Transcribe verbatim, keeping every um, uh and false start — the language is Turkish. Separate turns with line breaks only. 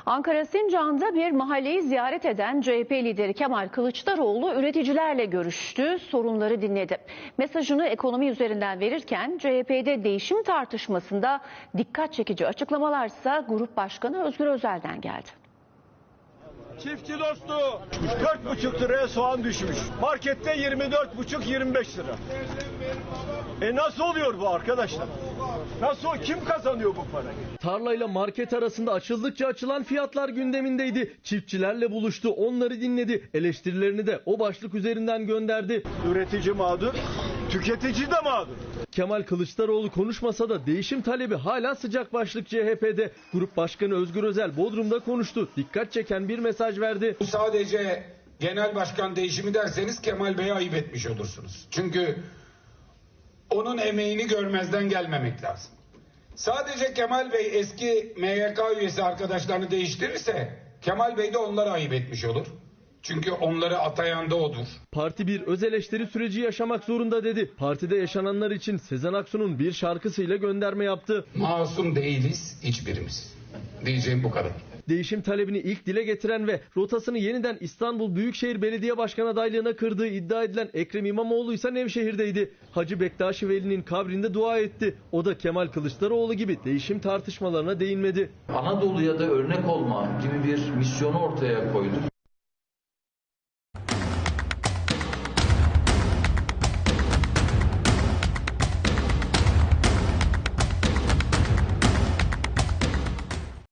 Ankara Sincan'da bir mahalleyi ziyaret eden C H P lideri Kemal Kılıçdaroğlu üreticilerle görüştü, sorunları dinledi. Mesajını ekonomi üzerinden verirken C H P'de değişim tartışmasında dikkat çekici açıklamalarsa Grup Başkanı Özgür Özel'den geldi.
Çiftçi dostu dört buçuk liraya soğan düşmüş. Markette yirmi dört buçuk yirmi beş lira. E nasıl oluyor bu arkadaşlar? Nasıl, kim kazanıyor bu parayı?
Tarlayla market arasında açıldıkça açılan fiyatlar gündemindeydi. Çiftçilerle buluştu, onları dinledi. Eleştirilerini de o başlık üzerinden gönderdi.
Üretici mağdur, tüketici de mağdur.
Kemal Kılıçdaroğlu konuşmasa da değişim talebi hala sıcak başlık C H P'de. Grup Başkanı Özgür Özel Bodrum'da konuştu. Dikkat çeken bir mesaj verdi.
Bu sadece genel başkan değişimi derseniz Kemal Bey'e ayıp etmiş olursunuz. Çünkü onun emeğini görmezden gelmemek lazım. Sadece Kemal Bey eski M Y K üyesi arkadaşlarını değiştirirse Kemal Bey de onlara ayıp etmiş olur. Çünkü onları atayan da odur.
Parti bir öz eleştiri süreci yaşamak zorunda dedi. Partide yaşananlar için Sezen Aksu'nun bir şarkısıyla gönderme yaptı.
Masum değiliz hiçbirimiz. Diyeceğim bu kadar.
Değişim talebini ilk dile getiren ve rotasını yeniden İstanbul Büyükşehir Belediye Başkan adaylığına kırdığı iddia edilen Ekrem İmamoğlu ise Nevşehir'deydi. Hacı Bektaşi Veli'nin kabrinde dua etti. O da Kemal Kılıçdaroğlu gibi değişim tartışmalarına değinmedi.
Anadolu'ya da örnek olma gibi bir misyonu ortaya koydu.